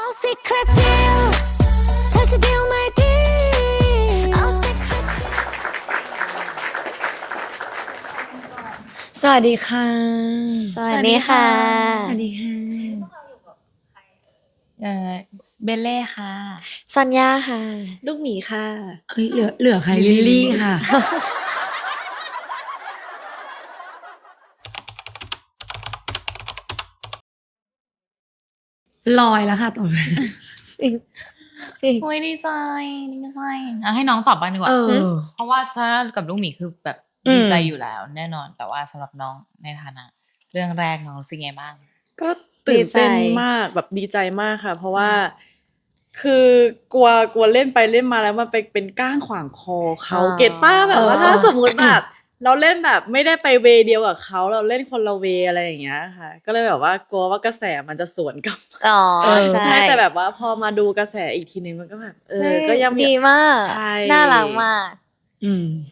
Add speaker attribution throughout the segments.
Speaker 1: secret deal เธอจะ deal ไม่ดีเอา secret
Speaker 2: สวัสดีค่ะ
Speaker 3: สวัสดีค่ะ
Speaker 2: สวัสดีค่ะ
Speaker 4: เบลเล่ค่ะ
Speaker 3: ซอนยาค่ะ
Speaker 5: ลูกหมีค่ะ
Speaker 2: เฮ้ยเหลือใครลิลลี่ค่ะ ลอยแล้วค่ะตรงนี้
Speaker 4: โอ้ยดีใจให้น้องตอบบ้างดีกว่า เพราะว่าถ้ากับลูกหมีคือแบบดีใจอยู่แล้วแน่นอน แต่ว่าสำหรับน้องในฐานะเรื่องแรกน้องรู้สึกไงบ้าง
Speaker 5: ก็ตื่นเต้นมากแบบดีใจมากค่ะ เพราะว่าคือกลัวเล่นไปเล่นมาแล้วมันไปเป็นก้างขวางคอเขาเก็ตป้าแบบว่าถ้าสมมติแบบเราเล่นแบบไม่ได้ไปเวเดียวกับเขาเราเล่นคนละเวอะไรอย่างเงี้ยค่ะ ก็เลยแบบว่ากลัวว่ากระแสมันจะสวนกับ
Speaker 3: อ๋อ
Speaker 5: ใช่แต่แบบว่าพอมาดูกระแสอีกทีนึงมันก็แบบก็ยัง
Speaker 3: ดีมาก
Speaker 5: ใช่
Speaker 3: น่ารักมาก ใช่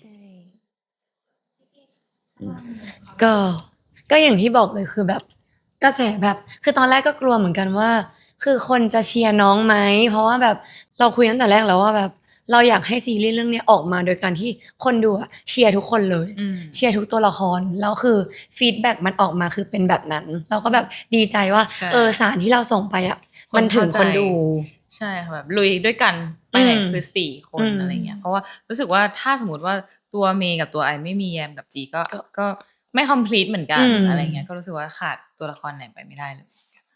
Speaker 2: ก็อย่างที่บอกเลยคือแบบกระแสแบบคือตอนแรกก็กลัวเหมือนกันว่า คือคนจะเชียร์น้องไหมเพราะว่าแบบเราคุยตั้งแต่แรกแล้วว่าแบบเราอยากให้ซีรีส์เรื่องนี้ออกมาโดยการที่คนดูอะเชียร์ทุกคนเลยเชียร์ทุกตัวละครแล้วคือฟีดแบ็กมันออกมาคือเป็นแบบนั้นเราก็แบบดีใจว่า
Speaker 4: ใช่
Speaker 2: สารที่เราส่งไปอ่ะมันถึงคนดู
Speaker 4: ใช่ค่ะแบบลุยด้วยกันไปไหนคือ4 คน
Speaker 2: อืม
Speaker 4: อะไรเงี้ยเพราะว่ารู้สึกว่าถ้าสมมติว่าตัวเมย์กับตัวไอไม่มีแยมกับจีก็ไม่ complete เหมือนกันอะไรเงี้ยก็รู้สึกว่าขาดตัวละครไหนไปไม่ได้เลย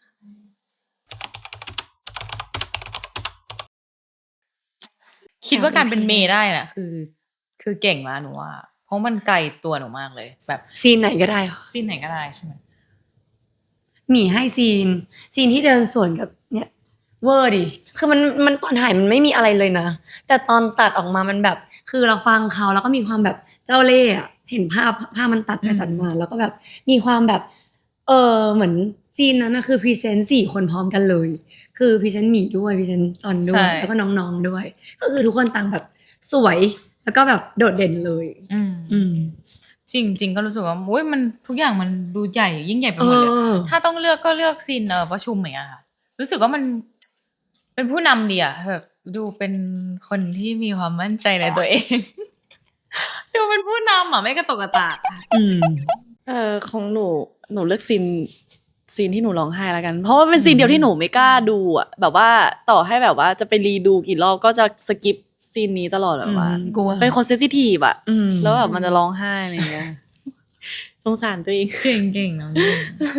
Speaker 4: คิดว่าการเป็นเมย์ได้น่ะคือเก่งมากหนูว่าเพราะมันไกลตัวหนูมากเลยแบบ
Speaker 2: ซีนไหนก็ได้ค่ะ
Speaker 4: ซีนไหนก็ได้ใช่ไหม
Speaker 2: หมีให้ซีนที่เดินสวนกับเนี่ยเวอร์ดิคือมันตอนถ่ายมันไม่มีอะไรเลยนะแต่ตอนตัดออกมามันแบบคือเราฟังเขาแล้วก็มีความแบบเจ้าเล่ห์อะเห็นภาพมันตัดไปตัดมาแล้วก็แบบมีความแบบเหมือนซีนนั้นนะคือพรีเซนต์4 คนพร้อมกันเลย คือพรีเซนต์หมีด้วยพรีเซนต์ซอนด้ว
Speaker 4: ใช่
Speaker 2: ยแล้วก็น้องๆด้วย ก็คือทุกคนต่างแบบสวยแล้วก็แบบโดดเด่นเลย
Speaker 4: จริงก็รู้สึกว่าโอ้ยมันทุกอย่างมันดูใหญ่ยิ่งใหญ่ไปหมดเลย ถ้าต้องเลือกก็เลือกซีนประชุมอย่างเงี้ยค่ะ รู้สึกว่ามันเป็นผู้นำดีอะแบบดูเป็นคนที่มีความมั่นใจในตัวเอง ดูเป็นผู้นำอะไม่กระตกกระตาก
Speaker 5: ของหนูเลือกซีนที่หนูร้องไห้แล้วกัน เพราะว่าเป็นซีนเดียวที่หนูไม่กล้าดูอ่ะแบบว่าต่อให้แบบว่าจะไปรีดูกี่รอบก็จะสกิปซีนนี้ตลอดแบบว่าก
Speaker 2: ลัว
Speaker 5: เป็นคนเซนซิทีฟอ่ะแล้วแบบมันจะร้องไห้อะไรเงี้ยสงสารตัวเอง
Speaker 4: เก่งน้องนี่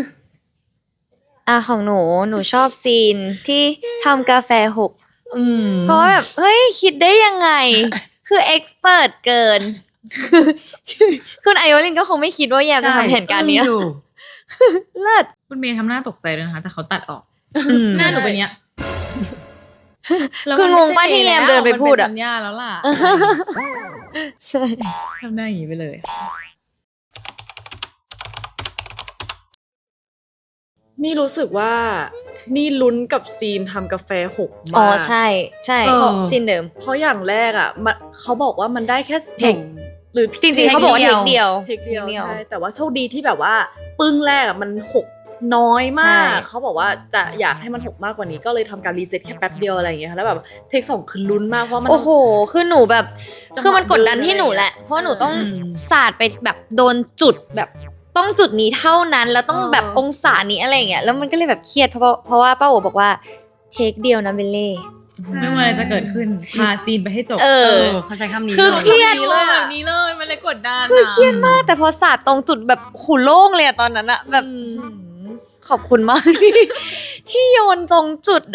Speaker 3: ของหนูชอบซีนที่ทำกาแฟหก เพราะว่าแบบเฮ้ยคิดได้ยังไง คือเอ็กซ์เพิร์เกิน คุณไอโอลินก็คงไม่คิดว่าแยมจะทำแผนการนี้นะเลิศ
Speaker 4: คุณเมย์ทำหน้าตกใจด้วยนะคะแต่เขาตัดออก หน้าหนูเป็นเนี้ย
Speaker 3: คืองงป่ะที่แยมเดินไปพูดอะ
Speaker 4: มันเป็นสัญญาแล้วล่ะ
Speaker 3: ใช่
Speaker 4: ทำได้อย่างนี้ไปเลย
Speaker 5: นี่รู้สึกว่านี่ลุ้นกับซีนทำกาแฟหกมาก
Speaker 3: อ๋อใช่ซีนเดิม
Speaker 5: เพราะอย่างแรกอ่ะเขาบอกว่ามันได้แค่
Speaker 3: เทค
Speaker 5: หรือ
Speaker 3: จริงๆเขาบอกว่าเทคเดียว
Speaker 5: เทคเดียวใช่แต่ว่าโชคดีที่แบบว่าปึ้งแรกอ่ะมันหกน้อยมาก
Speaker 3: ใช่
Speaker 5: เขาบอกว่าจะอยากให้มันหกมากกว่านี้ก็เลยทำการรีเซ็ตแค่แป๊บเดียวอะไรอย่างเงี้ยค่ะแล้วแบบเทค 2คือลุ้นมากเพราะมัน
Speaker 3: โอ้โห คือหนูแบบ
Speaker 5: จังหวะ
Speaker 3: คือมันกดดันที่หนูแหละ เพราะหนูต้องสาดไปแบบโดนจุดแบบต้องจุดนี้เท่านั้น แล้วต้องแบบองศานี้อะไรอย่างเงี้ย แล้วมันก็เลยแบบเครียดเพราะว่าป้าโอบอกว่าเทคเดียวนะเบลเล่
Speaker 4: ไม่ว่าอะไรจะเกิดขึ้นพาซีนไปให้จบ
Speaker 2: เขาใช้คำนี้
Speaker 3: คือ
Speaker 2: เลย
Speaker 3: เครียด
Speaker 4: แบบนี้เลยมันเลยกดดัน
Speaker 3: คือเครียดมาก แต่พอสาดตรงจุดแบบหูโล่งเลยอะตอนนั้นอะแบบขอบคุณมาก ที่โยนตรงจุดอะ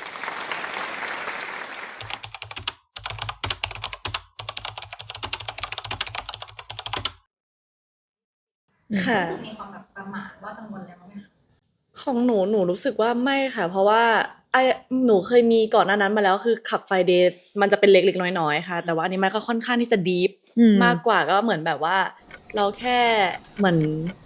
Speaker 5: ค่ะ
Speaker 4: มีความแบบประมาทว่ากังวลอะไรบ้างไหม
Speaker 5: ของหนูรู้สึกว่าไม่ค่ะ เพราะว่าหนูเคยมีก่อนหน้านั้นมาแล้วคือขับไฟเดย์มันจะเป็นเล็กๆน้อยๆค่ะ แต่ว่าอันนี้มันก็ค่อนข้างที่จะดีฟมากกว่าก็เหมือนแบบว่า เราแค่เหมือน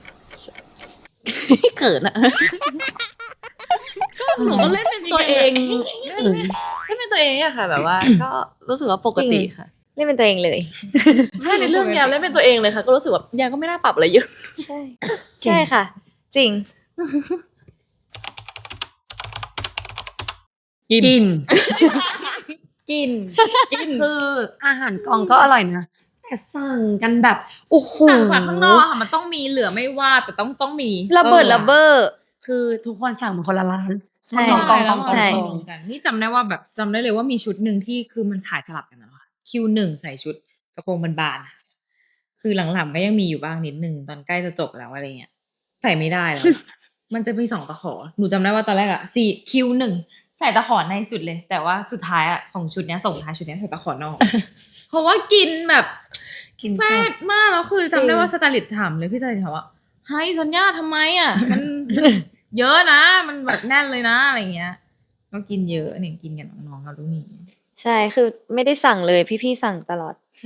Speaker 5: เกิดอะก็หนูก็เล่นเป็นตัวเองเล่นเป็นตัวเองอะค่ะ แบบว่า ก็รู้สึกว่าปกติค่ะ
Speaker 3: เล่นเป็นตัวเองเลย
Speaker 5: ใช่ในเรื่องยามเล่นเป็นตัวเองเลยค่ะ ก็รู้สึกว่ายามก็ไม่น่าปรับอะไรเยอะ
Speaker 3: ใช่ ใช่ค่ะ จริง
Speaker 5: กิน
Speaker 2: กิน
Speaker 5: กิน
Speaker 2: คืออาหารกองก็อร่อยนะแต่สั่งกันแบบโอ้โห
Speaker 4: สั่งจากข้างนอกอะค่ะมันต้องมีเหลือไม่ว่าแต่ต้องมี
Speaker 3: ระเบิดระเบ้อ
Speaker 2: คือทุกคนสั่งเหมือนคนละร้าน
Speaker 3: ใช่
Speaker 2: กอง
Speaker 4: แล้ว
Speaker 3: ใช่
Speaker 4: มันมีกันนี่จำได้ว่าแบบจำได้เลยว่ามีชุดหนึ่งที่คือมันถ่ายสลับกันนะคะคิวหนึ่งใส่ชุดกระโปรงบานๆอะคือหลังๆก็ยังมีอยู่บ้างนิดนึงตอนใกล้จะจบแล้วอะไรเงี้ยใส่ไม่ได้แล้ว มันจะมี2ตะขอหนูจำได้ว่าตอนแรกอะคิวหนึ่งใส่ตะขอในสุดเลย แต่ว่าสุดท้ายอะของชุดเนี้ยส่งท้ายชุดเนี้ยใส่ตะขอนอก เพราะว่ากินแบบ
Speaker 2: กิน
Speaker 4: แฟ
Speaker 2: แซ่
Speaker 4: ด
Speaker 2: บ
Speaker 4: มากแล้วคือจำได้ว่าสไตลิสต์ถามเลยพี่สไตลิสต์ถามว่าเฮ้ยซอนย่าทำไมอ่ะ มัน เยอะนะ มันแบบแน่นเลยนะอะไรเงี้ย ก็กินเยอะเนี่ยกินกับน้องๆกับลูกหมี
Speaker 3: ใช่คือไม่ได้สั่งเลยพี่ๆสั่งตลอด
Speaker 2: ใช่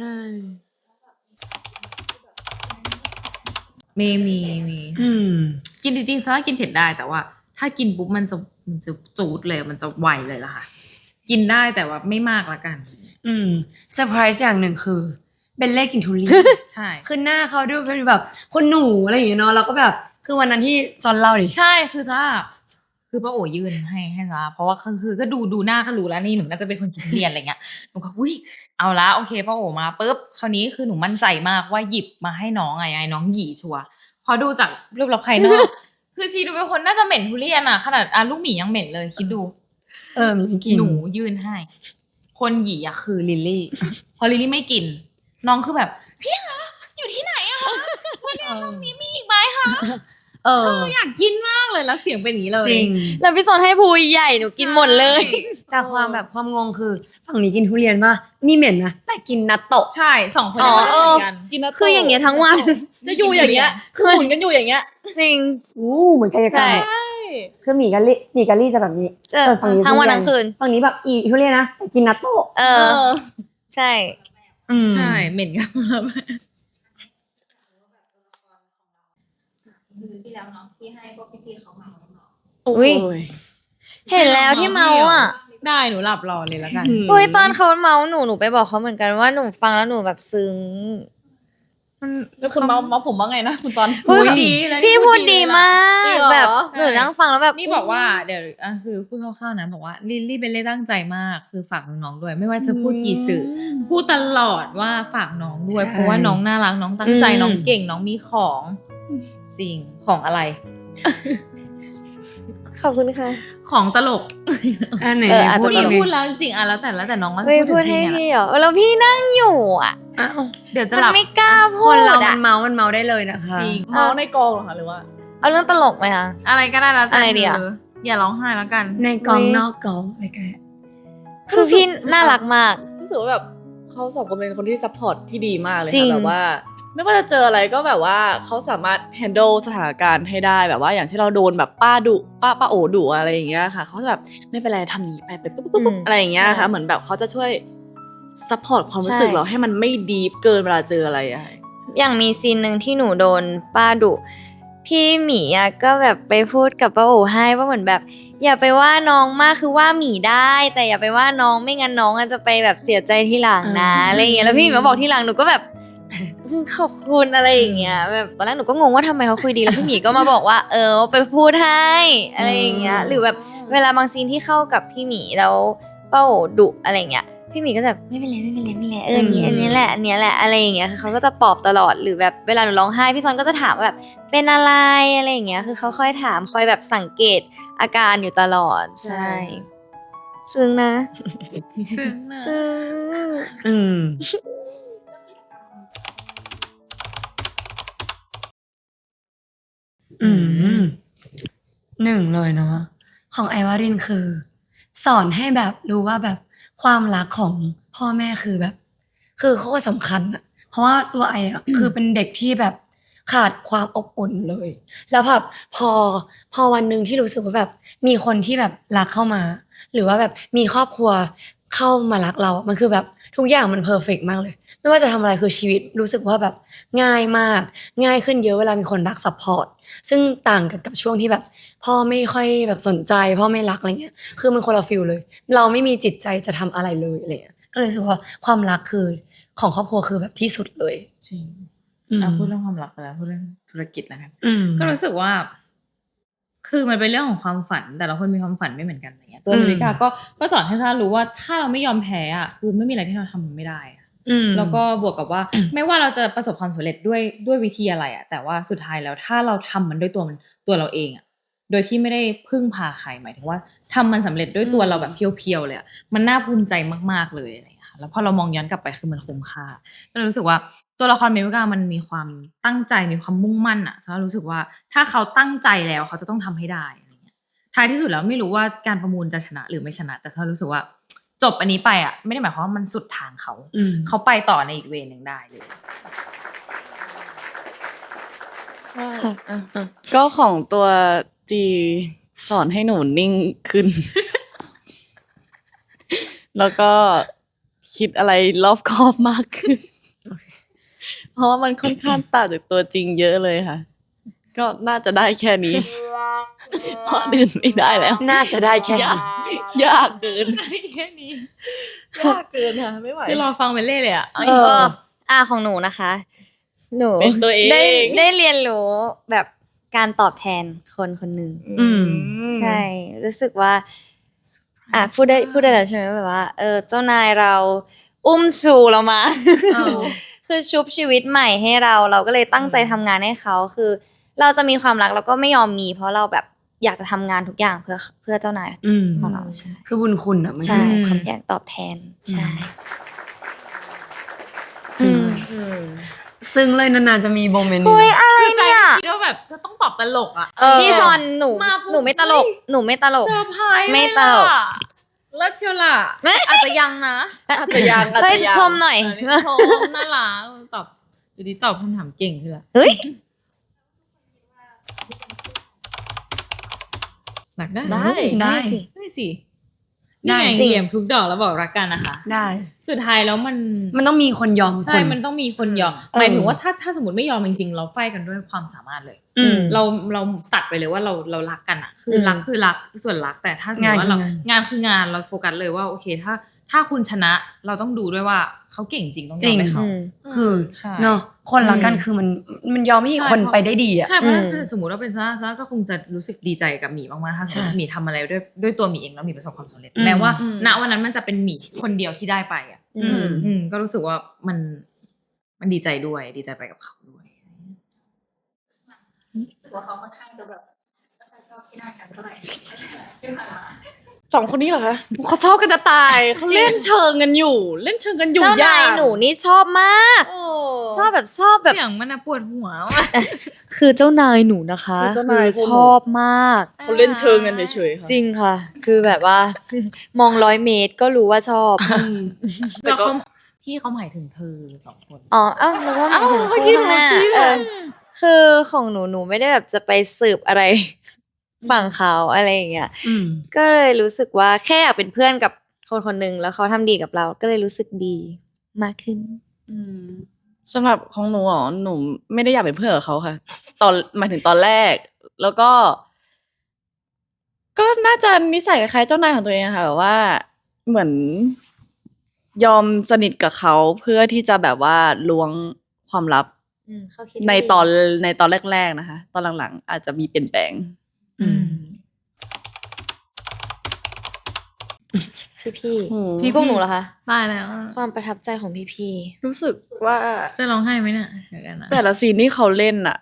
Speaker 4: มี
Speaker 2: อืม
Speaker 4: กินจริงๆถ้ากินเผ็ดได้แต่ว่า ถ้ากินปุ๊บมันจะจูดเลยมันจะไวเลยล่ะค่ะ กินได้แต่ว่าไม่มากละกัน
Speaker 2: เซอร์ไพรส์อย่างหนึ่งคือเบลเล่กินทุเรียน
Speaker 4: ใช่
Speaker 2: คือหน้าเขาดูเป็นแบบคนหนูอะไรอย่างเงี้ยเนาะแล้วก็แบบคือวันนั้นที่จอนเล่าดิ
Speaker 4: ใช่คือซ่าคือป้าโอ๋ยื่นให้ซ่าเพราะว่าคือก็ดูหน้าก็รู้แล้วนี่หนูน่าจะเป็นคนกินทุเรียนอะไรเงี้ยหนูก็อุ้ยเอาละโอเคป้าโอ๋มาปุ๊บคราวนี้คือหนูมั่นใจมากว่าหยิบมาให้น้องไงน้องหยีชัวร์พอดูจากรูปลักษณ์ภายนอก คือชีดูเป็นคนน่าจะเหม็นทุเรียนอะขนาดลูกหมียังเหม็นเลยคิดดู
Speaker 2: มีไม่กิน
Speaker 4: หนูยื่นให้ คนหยีอะคือลิลลี่ พอลิลลี่ไม่กิน น้องคือแบบพี่คะอยู่ที่ไหนอะคะทุเรียนลูกนี้มีอีกไหมคะอยากกินมากเลยแล้วเสียงเป็นอย่างนี้เลย
Speaker 2: จริง
Speaker 3: แล้วพี่สอนให้ภูยใหญ่หนูกินหมดเลย
Speaker 2: แต่ความงงคือฝั่งนี้กินทุเรียนป่ะนี่เหม็นนะแต่กินนัตโตะ
Speaker 4: ใช่สองคน
Speaker 3: อ๋อ
Speaker 4: นี้มันเหมือนกัน
Speaker 5: กินนะ
Speaker 3: คืออย่างเงี้ยทั้งวัน
Speaker 5: จะอยู่อย่างเงี้ยคือหมุนกันอยู่อย่างเงี้ย
Speaker 3: จริง
Speaker 2: เหมือนกายกรรม
Speaker 3: ใช่
Speaker 2: คือหมี่กะลี่จะแบบนี้
Speaker 3: เจอ
Speaker 2: ฝั่งนี้
Speaker 3: ทั้งวัน
Speaker 2: ทุเรีย
Speaker 3: ทั้งคืน
Speaker 2: ฝั่งนี้แบบอีทุเรียนนะแต่กินนัตโตะ
Speaker 3: เออ ใช่
Speaker 4: ใช่เหม็นกันแล้ว
Speaker 3: อุ๊ย เห็นแล้วที่เมาอ่ะ
Speaker 4: ได้หนูหลับรอเลยแล้วกัน
Speaker 3: อุ้ยตอนเขาเมาหนูไปบอกเขาเหมือนกันว่าหนูฟังแล้วหนูแบบซึ้ง
Speaker 5: แล้วคุณเมาผมว่าไงนะคุณจอน
Speaker 3: อุ๊ย
Speaker 4: ดีนะ
Speaker 3: พี่พูดดีมาก
Speaker 5: จริงเหรอ
Speaker 3: แบบหนูนั่งฟังแล้วแบบ
Speaker 4: นี่บอกว่าเดี๋ยวคือพูดคร่าวๆนะบอกว่าลิลลี่เป็นเล่ตั้งใจมากคือฝากน้องๆด้วย ไม่ว่าจะพูดกี่สื่อพูดตลอดว่าฝากน้องด้วย เพราะว่าน้องน่ารักน้องตั้งใจน้องเก่งน้องมีของจริงของอะไร
Speaker 3: ขอบคุณค่ะ
Speaker 4: ของตลก
Speaker 2: อันไหน
Speaker 3: อาจจะ
Speaker 2: พูด
Speaker 4: พี่
Speaker 2: อีก
Speaker 4: พูด
Speaker 2: ดิ
Speaker 4: แล้วจริงๆแล้วแต่น้องก็
Speaker 3: เฮ้ยพูด
Speaker 4: ถึ
Speaker 3: ให้
Speaker 4: ง
Speaker 3: พี่เหรอแล้วพี่นั่งอยู่อ่ะ
Speaker 2: อ้าว
Speaker 4: เดี๋ยวจะ
Speaker 3: มัน
Speaker 4: หลับ
Speaker 3: ไม่กล้า
Speaker 2: ค
Speaker 3: พู
Speaker 2: น
Speaker 3: ด
Speaker 2: เรามั
Speaker 3: อ่ะ
Speaker 2: นเมาได้เลยนะคะ
Speaker 4: จริง
Speaker 5: เมาในกองเหรอคะหรือว่า
Speaker 3: เอาเรื่องตลกไหมคะ
Speaker 4: อะไรก็ได้แล้วแต่
Speaker 3: อะไรดีอะ
Speaker 4: อย่าร้องไห้แล้วกัน
Speaker 2: ในกอง
Speaker 3: เว้ย
Speaker 2: นอกกองอะไรกันเนี่ย
Speaker 3: คือพี่น่ารักมาก
Speaker 5: รู้สึกว่าแบบเขาสองคนเป็นคนที่ซัพพอร์ตที่ดีมากเลย
Speaker 3: จริง
Speaker 5: ค่ะแบบว่า ไม่ว่าจะเจออะไรก็แบบว่าเขาสามารถ handle สถานการณ์ให้ได้แบบว่าอย่างที่เราโดนแบบป้าโอดุอะไรอย่างเงี้ยค่ะเขาจะแบบไม่เป็นไรทำนี้ไปปุ๊บอะไรอย่างเงี้ยค่ะเหมือนแบบเขาจะช่วยซัพพอร์ตความรู้สึกเราให้มันไม่ดีฟเกินเวลาเจออะไรอะ
Speaker 3: อย่างมีซีนหนึ่งที่หนูโดนป้าดุพี่หมีอ่ะก็แบบไปพูดกับป้าโอให้ว่าเหมือนแบบ อย่าไปว่าน้องมากคือว่าหมีได้ แต่อย่าไปว่าน้องไม่งั้นน้องอาจจะไปแบบเสียใจทีหลังนะอะไรอย่างเงี้ยแล้วพี่หมีมาบอกทีหลังหนูก็แบบ ขอบคุณอะไรอย่างเงี้ยแบบตอนแรกหนูก็งงว่าทำไมเขาคุยดีแล้วพี่หมีก็มาบอกว่า ไปพูดให้อะไรอย่างเงี้ยหรือแบบเวลาบางซีนที่เข้ากับพี่หมีแล้วป้าโอดุอะไรอย่างเงี้ย พี่หมีก็จะแบบไม่เป็นไรอันนี้แหละอะไรอย่างเงี้ยคือเขาก็จะปลอบตลอดหรือแบบเวลาหนูร้องไห้พี่ซอนก็จะถามว่าแบบเป็นอะไรอะไรอย่างเงี้ยคือเขาค่อยถามคอยแบบสังเกตอาการอยู่ตลอดใช่ซึ้งนะ
Speaker 4: ซึ้งนะ
Speaker 3: ซึ้ง
Speaker 2: อืมหนึ่งเลยเนาะของไอวารินคือ สอนให้แบบรู้ว่าแบบความรักของพ่อแม่คือแบบ คือโคตรสำคัญอะเพราะว่าตัวไออะคือเป็นเด็กที่แบบขาดความอบอุ่นเลย แล้วแบบพอวันหนึ่งที่รู้สึกว่าแบบมีคนที่แบบรักเข้ามา หรือว่าแบบมีครอบครัวเข้ามารักเรา มันคือแบบทุกอย่างมันเพอร์เฟกต์มากเลย ไม่ว่าจะทำอะไรคือชีวิตรู้สึกว่าแบบง่ายมาก ง่ายขึ้นเยอะเวลามีคนรักซัพพอร์ต ซึ่งต่างกันกับช่วงที่แบบ พ่อไม่ค่อยแบบสนใจ พ่อไม่รักอะไรเงี้ย คือมันคนละฟีลเลย เราไม่มีจิตใจจะทำอะไรเลยอะไรเงี้ย ก็เลยรู้สึกว่าความรักคือของครอบครัวคือแบบที่สุดเลย
Speaker 4: จริง
Speaker 2: อืม
Speaker 4: พูดเรื่องความรักไปแล้วพูดเรื่องธุรกิจแล้วกัน
Speaker 2: อืม
Speaker 4: ก็รู้สึกว่าคือมันเป็นเรื่องของความฝันแต่ละคนมีความฝันไม่เหมือนกันอะไรเงี้ยตัว
Speaker 2: อืม
Speaker 4: มิวิกาก็สอนให้ซารู้ว่าถ้าเราไม่ยอมแพ้อ่ะคือไม่มีอะไรที่เราทำมันไม่ได้อะ แล้วก็บวกกับว่า ไม่ว่าเราจะประสบความสำเร็จด้วยวิธีอะไรอ่ะแต่ว่าสุดท้ายแล้วถ้าเราทำมันด้วยตัวเราเองอ่ะโดยที่ไม่ได้พึ่งพาใครหมายถึงว่าทำมันสำเร็จด้วยตัวเราแบบเพียวๆเลยอ่ะมันน่าภูมิใจมากๆเลยอะไรอย่างเงี้ยค่ะแล้วพอเรามองย้อนกลับไปคือมันคุ้มค่าก็เลยรู้สึกว่าตัวละครเมวิกามันมีความตั้งใจมีความมุ่งมั่นอ่ะฉันรู้สึกว่าถ้าเขาตั้งใจแล้วเขาจะต้องทำให้ได้อะไรเงี้ยท้ายที่สุดแล้วไม่รู้ว่าการประมูลจะชนะหรือไม่ชนะแต่ฉันรู้สึกว่าจบอันนี้ไปอ่ะไม่ได้หมายความว่ามันสุดทางเขาไปต่อในอีกเวนึงได้เลย
Speaker 3: ค่ะ
Speaker 5: ก็ของตัวจีสอนให้หนูนิ่งขึ้น แล้วก็คิดอะไรรอบคอบมากขึ้น เพราะว่ามันค่อนข้างต่างจากตัวจริงเยอะเลยค่ะ ก็น่าจะได้แค่นี้ เพราะอื่นไม่ได้แล้ว
Speaker 2: น่าจะได้แค่
Speaker 5: ยากยากเกิน
Speaker 4: แค่นี้
Speaker 5: ยากเกินค่ะไม่ไหว
Speaker 4: คือรอฟังไปเรื่อยเลยอ่ะ
Speaker 3: ของหนูนะคะ หนู
Speaker 5: เป็นตัวเอง
Speaker 3: ได้เรียนรู้แบบการตอบแทนคนคนหนึ่ง ใช่ รู้สึกว่าพูดได้แล้วใช่ไหมแบบว่าเจ้านายเราอุ้มชูเรามา คือชุบชีวิตใหม่ให้เราก็เลยตั้งใจทำงานให้เขาคือ เราจะมีความรักแล้วก็ไม่ยอมมี เพราะเราแบบอยากจะทำงานทุกอย่างเพื่อเจ้านายของเราใช่
Speaker 2: คือบุญคุณอ่ะมัน
Speaker 3: ใช่
Speaker 2: คือ
Speaker 3: ความอยากตอบแทนใช่
Speaker 2: ซึ่งเลยนานๆจะมีโมเมนต์
Speaker 3: เฮ้ย
Speaker 2: นี้
Speaker 3: อะไร
Speaker 4: คือใจ
Speaker 3: เนี่ย
Speaker 4: คิดว่าแบบจะต้องตอบตลกอ่ะ
Speaker 3: พี่ซอนหนู
Speaker 4: มาปุ๊บ
Speaker 3: หนูไม่ตลก หนูไม่ตลก
Speaker 4: เซอร์ไพรส์
Speaker 3: ไม่ตลก
Speaker 4: เลิศเชียวล่ะอาจจะยังนะ
Speaker 5: อาจจะยังอาจ
Speaker 3: เฮ้ย
Speaker 5: จะยัง
Speaker 3: ชมหน่อย
Speaker 4: ชมน่ารักตอบดูดีตอบคำถามเก่งขึ้นละ
Speaker 3: เฮ้ย
Speaker 4: หนักได้
Speaker 5: ได้
Speaker 2: ได้
Speaker 3: สิ
Speaker 4: ได้สิ
Speaker 2: ได้
Speaker 4: นี่ไง
Speaker 3: จริง
Speaker 4: เหลี่ยมทุกดอกแล้วบอกรักกันนะคะ
Speaker 2: ได้
Speaker 4: สุดท้ายแล้วมัน
Speaker 2: มันต้องมีคนยอมค
Speaker 4: ใช่
Speaker 2: น
Speaker 4: มันต้องมีคนยอมหมายถึงว่าถ้าสมมติไม่ยอมจริงๆเราไฟกันด้วยความสามารถเลย เราตัดไปเลยว่าเรารักกันอ่ะ คือรักคือรักส่วนรักแต่ถ้าสมมติว่าเรางานคืองานเราโฟกัสเลยว่าโอเคถ้าคุณชนะเราต้องดูด้วยว่าเขาเก่งจริงต้องยอมให้เขา
Speaker 2: คือ
Speaker 4: ใช่
Speaker 2: เนาะคนรักกันคือมันยอมให้อีกคนไปได้ดีอ่ะ
Speaker 4: ใช่เพราะถ้าสมมติว่าเป็นซาก็คงจะรู้สึกดีใจกับหมีมากๆถ้าสมมติ
Speaker 2: ใช่
Speaker 4: หมีทำอะไรด้วยตัวหมีเองแล้วหมีประสบความสำเร็จ
Speaker 2: อืม
Speaker 4: แม้ว่าณวันนั้นมันจะเป็นหมีคนเดียวที่ได้ไปอ่ะก็รู้สึกว่ามันดีใจด้วยดีใจไปกับเขาด้วย
Speaker 5: สองคนนี้เหรอคะเขาชอบกันจะตายเขาเล่นเชิงกันอยู่ เล่นเชิงกันอยู่
Speaker 3: เจ้านายหนูนี่ชอบมาก
Speaker 5: โอ้
Speaker 3: ชอบแบบ
Speaker 4: เสียงมันปวดหัว
Speaker 3: คือเจ้านายหนูนะคะ
Speaker 5: คือเจ้านาย
Speaker 3: ชอบมาก
Speaker 5: เขาเล่นเชิงกันเฉยๆค่ะ
Speaker 3: จริงค่ะ คือแบบว่า มอง100 เมตรก็รู้ว่าชอบ
Speaker 5: แต่
Speaker 4: แล้ว
Speaker 5: ก็
Speaker 4: พี่เขาหมายถึงเธอสองคน
Speaker 3: อ๋อนึกว่าหมายถึงคู่ข้างหน้าคือของหนูไม่ได้แบบจะไปสืบอะไร ฝั่งเขาอะไรอย่างเงี้ย ก็เลยรู้สึกว่าแค่อยากเป็นเพื่อนกับคนคนหนึ่งแล้วเขาทำดีกับเรา ก็เลยรู้สึกดีมากขึ้น
Speaker 5: สำหรับของหนูหนูไม่ได้อยากเป็นเพื่อนกับเขาค่ะ หมายถึงตอนแรก แล้วก็ ก็น่าจะนิสัยคล้ายๆเจ้านายของตัวเองอะค่ะแบบว่าเหมือนยอมสนิทกับเขาเพื่อที่จะแบบว่าล้วงความลับในตอนแรกๆนะคะ ตอนหลังๆ อาจจะมีเปลี่ยนแปลง
Speaker 3: พี่
Speaker 5: โอ้โห
Speaker 3: พี่พวกหนูเหรอคะ
Speaker 4: ตายแล้ว
Speaker 3: ความประทับใจของพี่
Speaker 5: รู้สึกว่า
Speaker 4: จะร้องไห้ไหมเนี่ยเดี๋ยวกันนะ
Speaker 5: แต่ละซีนที่เขาเล่นอ่ะ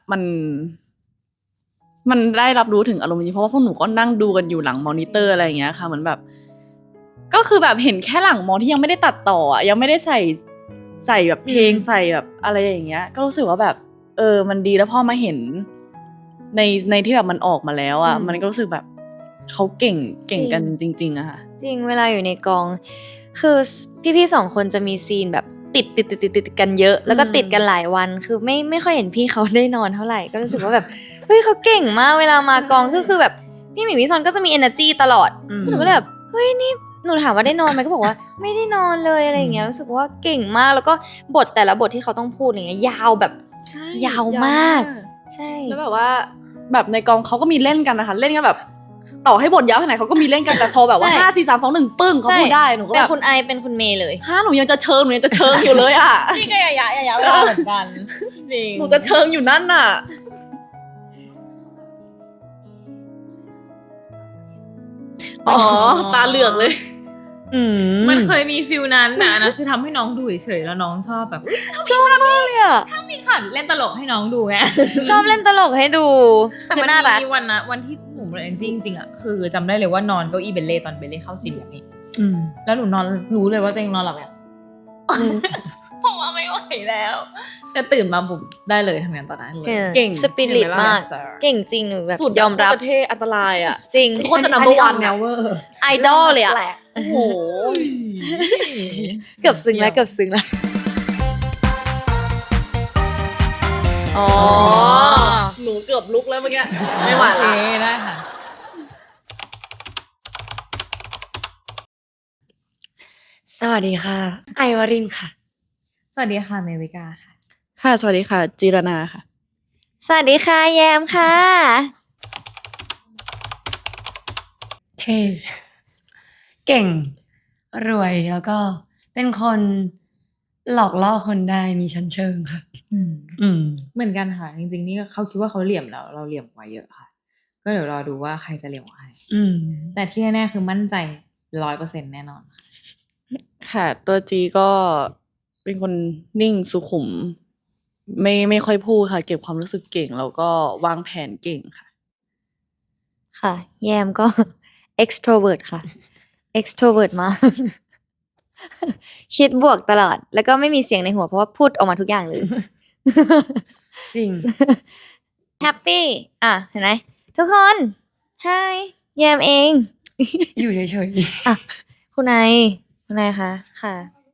Speaker 5: มันได้รับรู้ถึงอารมณ์จริงเพราะว่าพวกหนูก็นั่งดูกันอยู่หลังมอนิเตอร์อะไรอย่างเงี้ยค่ะเหมือนแบบ ก็คือแบบเห็นแค่หลังมอที่ยังไม่ได้ตัดต่ออ่ะยังไม่ได้ใส่แบบเพลงใส่แบบอะไรอย่างเงี้ย ก็รู้สึกว่าแบบมันดีแล้วพอมาเห็นในที่แบบมันออกมาแล้วอ่ะมันก็รู้สึกแบบเขาเก่งกันจริงๆอะค่ะ
Speaker 3: ๆ จริงเวลาอยู่ในกอง คือพี่ๆ2 คนจะมีซีนแบบติดกันเยอะ แล้วก็ติดกันหลายวัน คือไม่ค่อยเห็นพี่เขาได้นอนเท่าไหร่ ก็รู้สึกว่าแบบเฮ้ยเขาเก่งมากเวลามากองคือแบบพี่หมีพี่ซอนก็จะมี energy ตลอดหนูก็เลยแบบเฮ้ยนี่หนูถามว่าได้นอนไหมก็บอกว่าไม่ได้นอนเลยอะไรอย่างเงี้ยรู้สึกว่าเก่งมากแล้วก็บทแต่ละบทที่เขาต้องพูดอย่างเงี้ยยาวแบบ
Speaker 5: ใช่
Speaker 3: ยาวมาก ใช่
Speaker 5: แล้วแบบว่าแบบในกองเขาก็มีเล่นกันนะคะเล่นกันแบบต่อให้บทยาวแค่ไหนเขาก็มีเล่นกันแต่พอแบบว่า5 4 3 2 1ปึ้งเขาพูดได้หนูก็
Speaker 3: เป็
Speaker 5: แบ
Speaker 3: น
Speaker 5: บ
Speaker 3: คุณไอเป็นคุณเมย์เลย
Speaker 5: หนูยังจะเชิงอยู่เลยอ่ะ
Speaker 4: นี่ก็ยะเวลาเหมือนกันจริง
Speaker 5: หนูจะเชิงอยู่นั่นน่ะอ๋อตาเหลือกเลย
Speaker 4: มันเคยมีฟิลนั้นนะคือทำให้น้องดูเฉยๆแล้วน้องชอบแบบ
Speaker 3: ชอบมากเลยอ่ะ
Speaker 4: มีขันเล่นตลกให้น้องดูไง
Speaker 3: ชอบเล่นตลกให้ดู
Speaker 4: แต่
Speaker 3: คือ
Speaker 4: มัน
Speaker 3: น่ารัก
Speaker 4: มีวันที่หนูเรียนจริงๆอ่ะคือจำได้เลยว่านอนเก้าอี้เบลเล่ตอนเบลเล่เข้าซีนแบบนี้ แล้วหนูนอนรู้เลยว่าตัวเองนอนหลับเนี่ยเพราะว่าไม่ไหวแล้วจะตื่นมาบุบได้เลยทำงานตอนนั้นเลย
Speaker 5: เก่ง
Speaker 3: สปิริต
Speaker 5: เห็นไหมล่ะ
Speaker 3: มาก เก่งจริงหนูแบบ
Speaker 5: สุด
Speaker 3: ยอมรับ
Speaker 5: ประเทศอันตรายอ่ะ
Speaker 3: จริง
Speaker 5: โคตรจะ number one
Speaker 2: แน
Speaker 5: อะ
Speaker 2: วเวอร์
Speaker 3: ไอดอลเลยอ่ะ
Speaker 5: โอ้โห
Speaker 3: เกือบซึ้งแล้วเกือบซึ้งแล้ว
Speaker 5: อ๋อ หนูเกือบลุกแล้วเมื่อกี้ ไม่ไหว
Speaker 4: โอเค
Speaker 5: ละ
Speaker 4: ได้ค่ะ
Speaker 2: สวัสดีค่ะ ไอวรินทร์ค่ะ
Speaker 4: สวัสดีค่ะเมวิกาค่ะ
Speaker 5: ค่ะ สวัสดีค่ะ จีรนาค่ะ
Speaker 3: สวัสดีค่ะแยมค่ะ
Speaker 2: เท่เก่ง รวยแล้วก็เป็นคนหลอกล่อคนได้มีชั้นเชิงค่ะ
Speaker 4: เหมือนกันค่ะ จริงๆนี่เขาคิดว่าเขาเหลี่ยมแล้วเราเหลี่ยมกว่าเยอะค่ะ ก็เดี๋ยวรอดูว่าใครจะเหลี่ยมกว่าใครแต่ที่แน่ๆคือมั่นใจ100%แน่นอนค่ะ
Speaker 5: ค่ะ ตัวจีก็เป็นคนนิ่งสุขุม ไม่ค่อยพูดค่ะ เก็บความรู้สึกเก่ง แล้วก็วางแผนเก่งค่ะ
Speaker 3: ค่ะ แยมก็ extrovert ค่ะ extrovert มาก คิดบวกตลอด แล้วก็ไม่มีเสียงในหัวเพราะว่าพูดออกมาทุกอย่างเลย
Speaker 2: จริง
Speaker 3: แฮปปี้อ่ะ เห็นไหมทุกคน Hi แยมเอง
Speaker 2: อยู่เฉย
Speaker 3: อ่ะ คุณนายคะค่ะ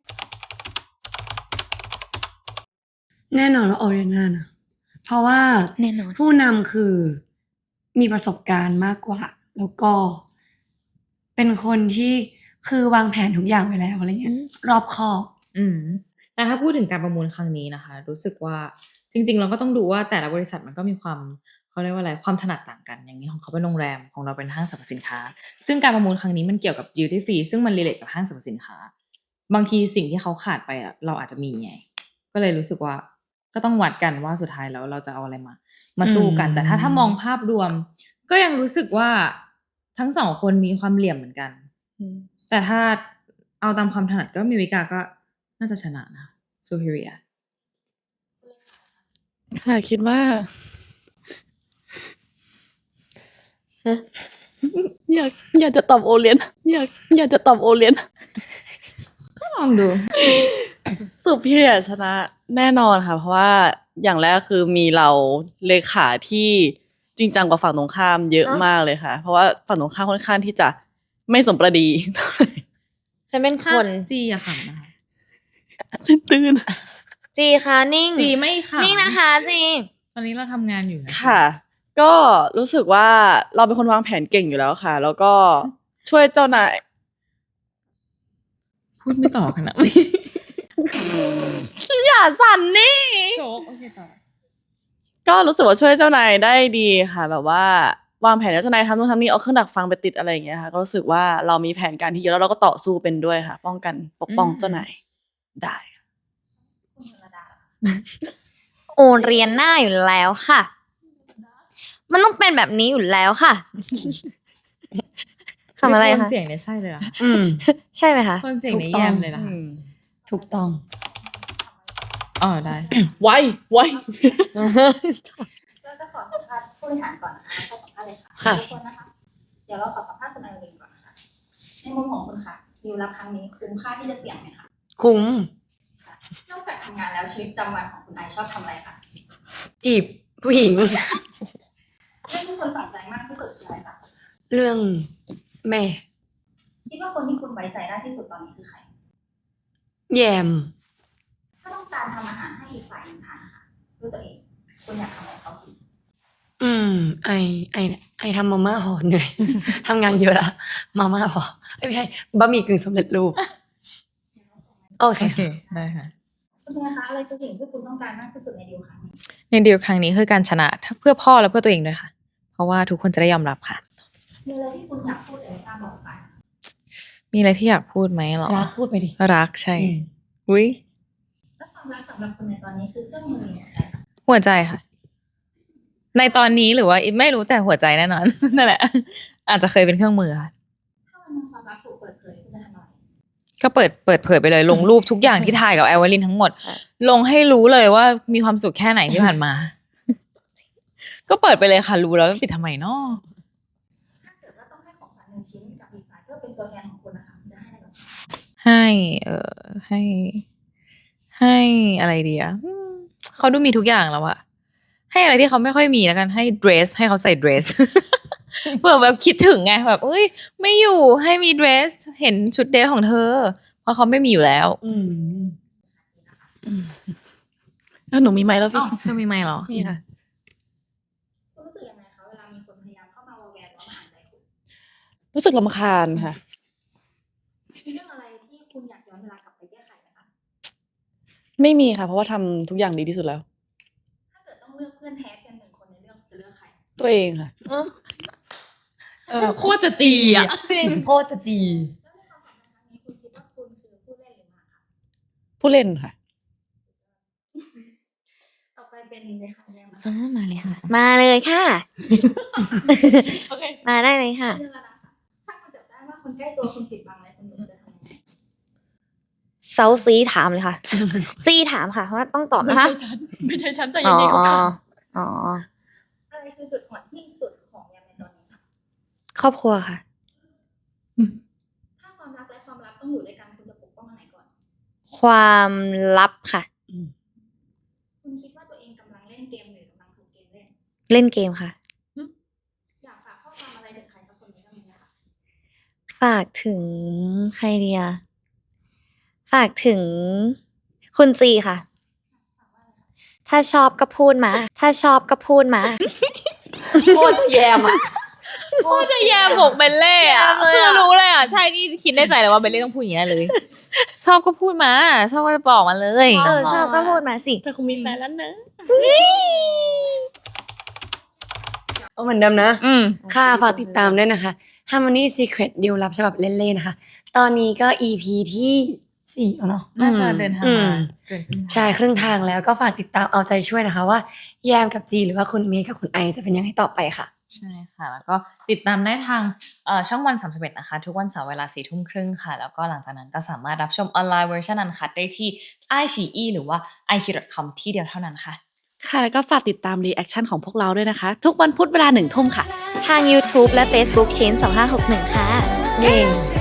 Speaker 2: ๆ แน่นอนว่าออเรียนานะ เพราะว่า
Speaker 3: แน่นอน
Speaker 2: ผู้นำคือมีประสบการณ์มากกว่า แล้วก็ เป็นคนที่คือวางแผนทุกอย่างไว้แล้วอะไรเงี้ย รอบคอบ
Speaker 4: แต่ถ้าพูดถึงการประมูลครั้งนี้นะคะ รู้สึกว่าจริงๆเราก็ต้องดูว่าแต่ละบริษัทมันก็มีความเขาเรียกว่าอะไรความถนัดต่างกันอย่างนี้ของเขาเป็นโรงแรมของเราเป็นห้างสรรพสินค้า ซึ่งการประมูลครั้งนี้มันเกี่ยวกับ duty free ซึ่งมันรีเลทกับห้างสรรพสินค้า บางทีสิ่งที่เขาขาดไปอะเราอาจจะมีไงก็เลยรู้สึกว่าก็ต้องวัดกันว่าสุดท้ายแล้วเราจะเอาอะไรมาสู้กัน แต่ถ้ามองภาพรวม ก็ยังรู้สึกว่าทั้งสองคนมีความเหลี่ยมเหมือนกัน แต่ถ้าเอาตามความถนัดก็มีวิกาก็น่าจะชนะนะ superior
Speaker 5: ค่ะ คิดว่า อยากจะตอบโอเลียน อยากจะตอบโอเลียน
Speaker 4: ลองดู
Speaker 5: สุพิเรียชนะแน่นอนค่ะ เพราะว่าอย่างแรกคือมีเราเลขาที่จริงจังกว่าฝั่งตรงข้ามเยอะมากเลยค่ะ เพราะว่าฝั่งตรงข้ามค่อนข้างที่จะไม่สมประดี
Speaker 3: ฉันเป็นคน
Speaker 4: จีอะค่ะนะคะ
Speaker 5: สิ้นตื่น
Speaker 3: จีค่ะนิ่ง
Speaker 4: จีไม่ค่ะ
Speaker 3: นิ่งนะคะจี
Speaker 4: ตอนนี้เราทำงานอยู่นะ
Speaker 5: ค่ะ ก็รู้สึกว่าเราเป็นคนวางแผนเก่งอยู่แล้วค่ะ แล้วก็ช่วยเจ้านาย
Speaker 4: พูดไม่ต่อขนาดนี้
Speaker 5: อย่าสั่นนี่
Speaker 4: โชคโอเคต่อ
Speaker 5: ก็รู้สึกว่าช่วยเจ้านายได้ดีค่ะ แบบว่าวางแผนให้เจ้านายทำนู่นทำนี่เอาเครื่องดักฟังไปติดอะไรอย่างเงี้ยค่ะก็รู้สึกว่าเรามีแผนการที่เยอะแล้วเราก็ต่อสู้เป็นด้วยค่ะ ป้องกันปกป้องเจ้านายได้
Speaker 3: โอเรียนหน้าอยู่แล้วค่ะ มันต้องเป็นแบบนี้อยู่แล้วค่ะ คำอะไร
Speaker 4: โทน
Speaker 3: คะ
Speaker 4: เสียงเนี่ยใช่เลยเหรอคะ
Speaker 3: ใช่ไหมคะ
Speaker 4: โทนเสียงเนี่ยแยมเลยเหรอคะ
Speaker 2: ถูกต้อง
Speaker 4: อ๋อได้
Speaker 5: ไว้
Speaker 6: เราจะขอสัมภาษณ์ผู้บริหารก่อนนะคะขอสัมภาษณ์เลยค่ะ
Speaker 2: ค่ะ
Speaker 6: ทุกคนนะคะ เดี๋ยวเราขอสัมภาษณ์คุณไอรินก่อนนะคะในมุมของคุณค่ะดิวรับครั้งนี้คุ้มค่าที่จะเสี่ยงไหมคะ
Speaker 2: คุ้ม
Speaker 6: นอกจากทำงานแล้วชีวิตประจำวันของคุณไอชอบทำอะไรคะ
Speaker 2: จีบผู้หญิง
Speaker 6: เรื่องที่คุณฝังใจมากที่สุดคืออะไรคะ
Speaker 2: เรื่องแม่
Speaker 6: คิดว่าคนที่คุณไว้ใจได้ที่สุดตอนนี้คือใคร
Speaker 2: แยม
Speaker 6: ถ้าต้องการทำอาหารให้อีกฝ่ายหนึ่งทานนะคะด้วยตัวเองคุณอยากทำอะไรเขากิน
Speaker 2: ไอทำมาม่าห่อเหนื่อย ทำงานเยอะละมาม่าห่อไม่ใช่บะหมี่กึ่งสำเร็จรูป โอเค
Speaker 4: โอเคได้ค่ะ
Speaker 6: คุณเป็นไงคะอะไรคือสิ่งที่คุณต้องการมากที่สุดในดิวครั้งนี้
Speaker 4: ในดีลครั้งนี้คือการชนะเพื่อพ่อและเพื่อตัวเองด้วยค่ะ เพราะว่าทุกคนจะได้ยอมรับค่ะ
Speaker 6: มีอะไรที่คุณอยากพูดแต่ไม่กล้าบอกไป
Speaker 4: มีอะไรที่อยากพูดไหมหรอ
Speaker 2: รักพูดไปดิ
Speaker 4: รักใช่อุ้ย
Speaker 6: แล้วความรักสำหรับคุณในตอนนี้คือเครื่องมือหรืออะไรคะ
Speaker 4: หัวใจค่ะ ในตอนนี้หรือว่าไม่รู้แต่หัวใจแน่นอน นั่นแหละ อาจจะเคยเป็นเครื่องมือค่ะก็เปิดเผยไปเลยลงรูปทุกอย่างที่ถ่ายกับไอวาลินทั้งหมด ลงให้รู้เลยว่ามีความสุขแค่ไหนที่ผ่านมา ก็เปิดไปเลยค่ะรู้แล้วปิดทำไมเนาะ
Speaker 6: ถ้าเกิดว่าต้องให้ของขวัญ1 ชิ้นกับอีกฝ่ายเพื่อเป็นตัวแทนของคุณนะคะจะให้อะไรบ้างคะ
Speaker 4: ให้อะไรดีอะเขาดูมีทุกอย่างแล้วอะให้อะไรที่เขาไม่ค่อยมีแล้วกันให้เดรสให้เขาใส่เดรส เผื่อแบบคิดถึงไงแบบเอ้ยไม่อยู่ให้มีเดรสเห็นชุดเดรสของเธอ เพราะเขาไม่มีอยู่แล้ว
Speaker 5: แล้วหนูมีไหมแล้วพี่
Speaker 4: เธอมีไหมเหรอ
Speaker 5: มีค่ะ
Speaker 6: คุณรู้สึกยังไงคะเวลามีคนพยายามเข้ามาวอลแวร์หรือว่ามาอ่านใจคุณ
Speaker 5: รู้สึกรำคาญค่ะ
Speaker 6: มีเรื่องอะไรที่คุณอยากย้อนเวลากลับไปแก้ไขไหมคะ
Speaker 5: ไม่มีค่ะ เพราะว่าทำทุกอย่างดีที่สุดแล้ว
Speaker 6: ถ้าเกิดต้องเลือกเพื่อนแท้เพียง1 คนในเรื่องจะเลือกใคร
Speaker 5: ตัวเองค่ะ
Speaker 4: โคตรจะจีอ่ะ
Speaker 2: จริงโคตรจะจี
Speaker 6: แล้วในความสัมพันธ์ครั้งนี้คุณคิดว่าคุณคือผู้เล่นหรือมาคะ
Speaker 5: ผู้เล่นค่ะ
Speaker 6: ต่อไปเป็นเลยค่ะแยมนะคะ
Speaker 3: มาเลยค่ะ มาเลยค่ะ มาได้เลยค่ะ
Speaker 6: เรื่องแล้วนะคะถ้าคุณจับได้ว่าคนใกล้ตัวคุณปิดบังอะไรคุณจะทำยังไง
Speaker 3: เซาซีถามเลยค่ะ จี้ถามค่ะเพราะว่าต้องตอบนะคะ
Speaker 4: ไม่ใช่ฉันแต่
Speaker 3: อ๋
Speaker 4: ยั
Speaker 3: อง
Speaker 4: ไงก็ท
Speaker 3: อ๋อ
Speaker 6: อะไรคือจุดอ่อนที่สุดของแยมในตอนนี้คะ
Speaker 3: ครอบครัวค่ะ
Speaker 6: ถ้าความรักและความลับต้องอยู่ด้วยกันคุณจะปกป้องอันไหนก่อน
Speaker 3: ความลับค่ะ
Speaker 6: คุณคิดว่าตัวเองกำลังเล่นเกมหรือกำลังถูกเกมเล่น
Speaker 3: เล่นเกมค่ะ
Speaker 6: อยากฝากข้อความอะไรถึงใครสักคนในเรื่องนี้นะคะ
Speaker 3: ฝากถึงใครเดียฝากถึงคุณจีค่ะ ถ้าชอบก็พูดมา ถ้าชอบก็พูดมา
Speaker 2: โคตรจะแยมอ่ะ
Speaker 4: ำโคตรจะแยมบอกเบลเล่อะคือรู้เลยอ่ะใช่นี่คิดในใจเลยว่าเบลเล่ต้องพูดอย่างนี้เลย ชอบก็พูดมาชอบก็จะบอกมาเลย
Speaker 3: ชอบก็พูดมาสิ
Speaker 5: แต่คงมีแฟนแล้วเนอะ
Speaker 2: เอาเหมือนเดิมนะ
Speaker 4: อืม
Speaker 2: ค่ะฝากติดตามด้วยนะคะ Harmony Secret ดิวลับฉบับเล่นๆนะคะ ตอนนี้ก็ EP ที่4แล้วเนาะ
Speaker 4: น่าจะเดินทาง
Speaker 2: อื
Speaker 4: มาม เกินครึ่งทาง
Speaker 2: ใช่ครึ่งทางแล้วก็ฝากติดตามเอาใจช่วยนะคะว่าแยมกับจีหรือว่าคุณเมย์กับคุณไอจะเป็นยังไงต่อไปค่ะ
Speaker 4: ใช่ค่ะ แล้วก็ติดตามได้ทางช่องวัน31นะคะ ทุกวันเสาร์เวลา4:30ค่ะ แล้วก็หลังจากนั้นก็สามารถรับชมออนไลน์เวอร์ชันอันคัดได้ที่ iQIYI หรือว่า iq.com ที่เดียวเท่านั้นค่ะ
Speaker 5: ค่ะ แล้วก็ฝากติดตามรีแอคชั่นของพวกเราด้วยนะคะ ทุกวันพุธเวลา 1 ทุ่มค่ะ
Speaker 3: ทาง YouTube และ Facebook ชิ้น2561 ค่ะ
Speaker 2: เย้